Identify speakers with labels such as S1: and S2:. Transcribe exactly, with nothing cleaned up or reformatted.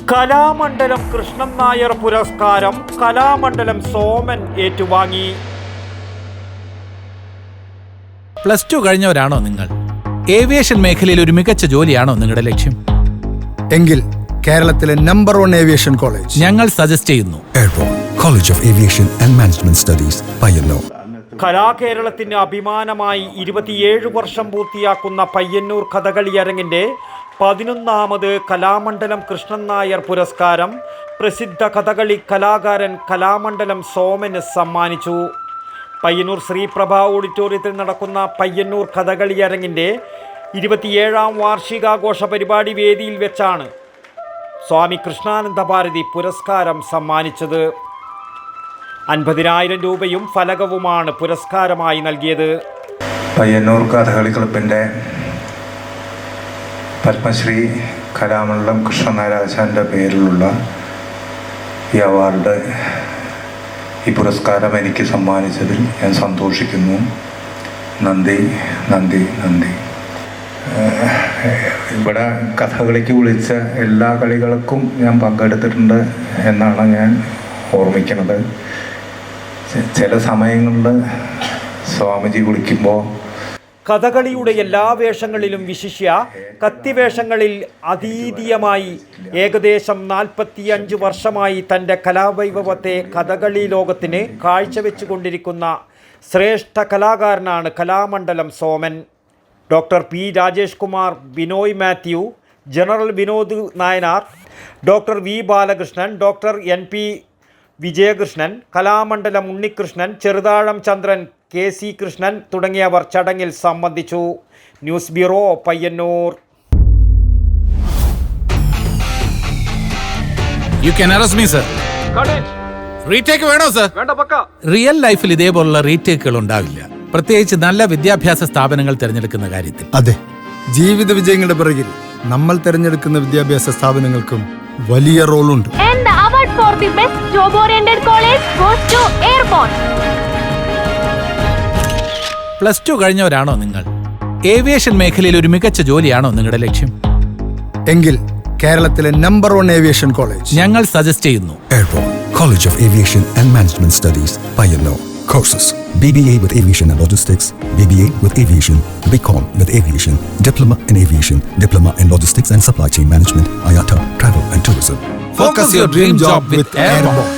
S1: കലാമണ്ഡലം കൃഷ്ണൻ നായർ പുരസ്കാരം കലാമണ്ഡലം സോമൻ ഏറ്റുവാങ്ങി.
S2: Plus two കഴിഞ്ഞവരാണോ നിങ്ങൾ? ഏവിയേഷൻ മേഖലയിൽ ഒരു മികച്ച ജോലിയാണോ നിങ്ങളുടെ ലക്ഷ്യം?
S3: എങ്കിൽ കേരളത്തിലെ നമ്പർ വൺ ഏവിയേഷൻ കോളേജ്
S2: ഞങ്ങൾ സജസ്റ്റ് ചെയ്യുന്നു.
S4: Airport college of aviation and management studies, Payyanur.
S1: കലാകേരളത്തിന് അഭിമാനമായി ഇരുപത്തിയേഴ് വർഷം പൂർത്തിയാക്കുന്ന പയ്യന്നൂർ കഥകളി അരങ്ങിന്റെ പതിനൊന്നാമത് കലാമണ്ഡലം കൃഷ്ണൻ നായർ പുരസ്കാരം പ്രസിദ്ധ കഥകളി കലാകാരൻ കലാമണ്ഡലം സോമന് സമ്മാനിച്ചു. പയ്യന്നൂർ ശ്രീപ്രഭ ഓഡിറ്റോറിയത്തിൽ നടക്കുന്ന പയ്യന്നൂർ കഥകളി അരങ്ങിന്റെ ഇരുപത്തിയേഴാം വാർഷികാഘോഷ പരിപാടി വേദിയിൽ വെച്ചാണ് സ്വാമി കൃഷ്ണാനന്ദ ഭാരതി പുരസ്കാരം സമ്മാനിച്ചത്. അൻപതിനായിരം രൂപയും ഫലകവുമാണ് പുരസ്കാരമായി നൽകിയത്.
S5: പയ്യന്നൂർ കഥകളി ക്ലബിൻ്റെ പത്മശ്രീ കലാമണ്ഡലം കൃഷ്ണൻ നായർ ആശാൻ്റെ പേരിലുള്ള ഈ അവാർഡ്, ഈ പുരസ്കാരം എനിക്ക് സമ്മാനിച്ചതിൽ ഞാൻ സന്തോഷിക്കുന്നു. നന്ദി നന്ദി നന്ദി. ഇവിടെ കഥകളിക്ക് വിളിച്ച എല്ലാ കളികൾക്കും ഞാൻ പങ്കെടുത്തിട്ടുണ്ട് എന്നാണ് ഞാൻ ഓർമ്മിക്കുന്നത്. ചില സമയങ്ങളിൽ സ്വാമിജി വിളിക്കുമ്പോൾ
S1: കഥകളിയുടെ എല്ലാ വേഷങ്ങളിലും വിശിഷ്യ കത്തിവേഷങ്ങളിൽ അതീതീയമായി ഏകദേശം നാൽപ്പത്തിയഞ്ച് വർഷമായി തൻ്റെ കലാവൈഭവത്തെ കഥകളി ലോകത്തിന് കാഴ്ചവെച്ചുകൊണ്ടിരിക്കുന്ന ശ്രേഷ്ഠ കലാകാരനാണ് Kalamandalam Soman. Doctor P Rajesh Kumar, Binoy Mathew, general Vinod Nayanar, doctor V Balakrishnan, doctor N P Vijayakrishnan, Kalamandalam Unnikrishnan, Cheruthazham Chandran, K C Krishnan തുടങ്ങിയവർ ചടങ്ങിൽ സംബന്ധിച്ചു. News bureau, Payyanur.
S2: You can arrest me, sir. Retake വേണോ സർ? റിയൽ ലൈഫിൽ ഇതേപോലുള്ള റീടേക്കുകൾ ഉണ്ടാവില്ല, പ്രത്യേകിച്ച് നല്ല വിദ്യാഭ്യാസ സ്ഥാപനങ്ങൾ തിരഞ്ഞെടുക്കുന്ന കാര്യത്തിൽ.
S3: അതെ, ജീവിത വിജയങ്ങളുടെ പിറകിൽ നമ്മൾ തിരഞ്ഞെടുക്കുന്ന വിദ്യാഭ്യാസ സ്ഥാപനങ്ങൾക്കും വലിയ റോളുണ്ട്.
S6: And the award for the best job oriented college goes to Airborne.
S2: Plus two കഴിഞ്ഞവരാണോ നിങ്ങൾ? ഏവിയേഷൻ മേഖലയിൽ ഒരു മികച്ച ജോലിയാണോ നിങ്ങളുടെ ലക്ഷ്യം?
S3: എങ്കിൽ കേരളത്തിലെ നമ്പർ വൺ ഏവിയേഷൻ കോളേജ്
S2: ഞങ്ങൾ സജസ്റ്റ് ചെയ്യുന്നു.
S4: Airport college of aviation and management studies, Payyanur. Courses: B B A with Aviation and Logistics, B B A with Aviation, B Com with Aviation, Diploma in Aviation, Diploma in Logistics and Supply Chain Management, I A T A, Travel and Tourism.
S2: Focus your dream job with Airborne.